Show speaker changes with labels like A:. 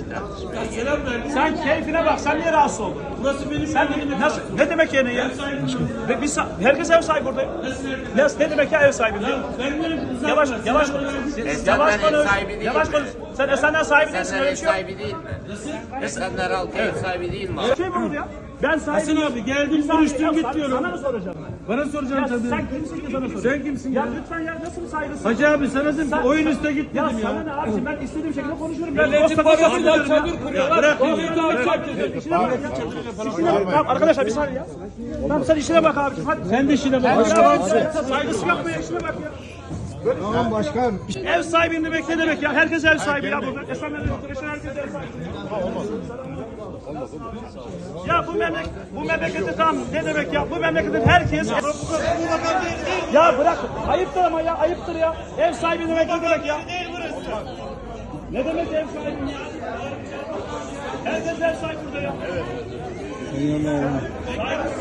A: tartışmaya.
B: Sen keyfine bak. Sen niye rahatsız oldun?
A: Burası benim
B: Sen nasıl, ne demek yani ya? Ve biz, herkes ev sahibi burada. Ne demek ya ev sahibi? Yavaş konuş. Yavaş konuş. Yavaş konuş. Sen Esenler sahibi değilsin,
C: Esenler
B: öyle
C: ev
B: bir şey yok.
C: sahibi değil mi? Esenler halkı ev sahibi değil mi?
B: Şey mi oldu ya? Ben
A: Hasan
B: sahibim.
A: abi geldin görüştün git diyorum.
B: Sana mı soracağım ben?
A: Bana soracağım
B: Ya
A: tabii.
B: sen kimsin ki sana soracağım?
A: Sen kimsin
B: ya?
A: ya?
B: Lütfen ya nasıl bir saygısın?
A: Hacı abi sana dedim ki oyun üstüne git
B: Ya
A: dedim
B: sana
A: ya.
B: ne abiciğim, ben istediğim şekilde konuşurum.
D: Milletin parasıyla çadır kuruyorlar.
A: Bırak ya.
B: İşine bak ya. Tamam arkadaşlar bir saniye ya. Tamam sen işine bak abi. Hadi.
A: Sen de işine bak.
B: Saygısı yok mu ya? İşine bak ya.
E: Tamam başkan.
B: Ev sahibim demek ne demek ya? Herkes ev sahibi ya burada. Esenler'de oturuyor, herkes ev sahibi. Ya bu memlekette tamam ne demek ya? Bu memleketin herkes... Ya bırak. Ayıptır ama ya. Ayıptır ya. Ev sahibi demek ne demek ya? Ne demek ev sahibi ya? Herkes ev sahibi burada ya. Evet.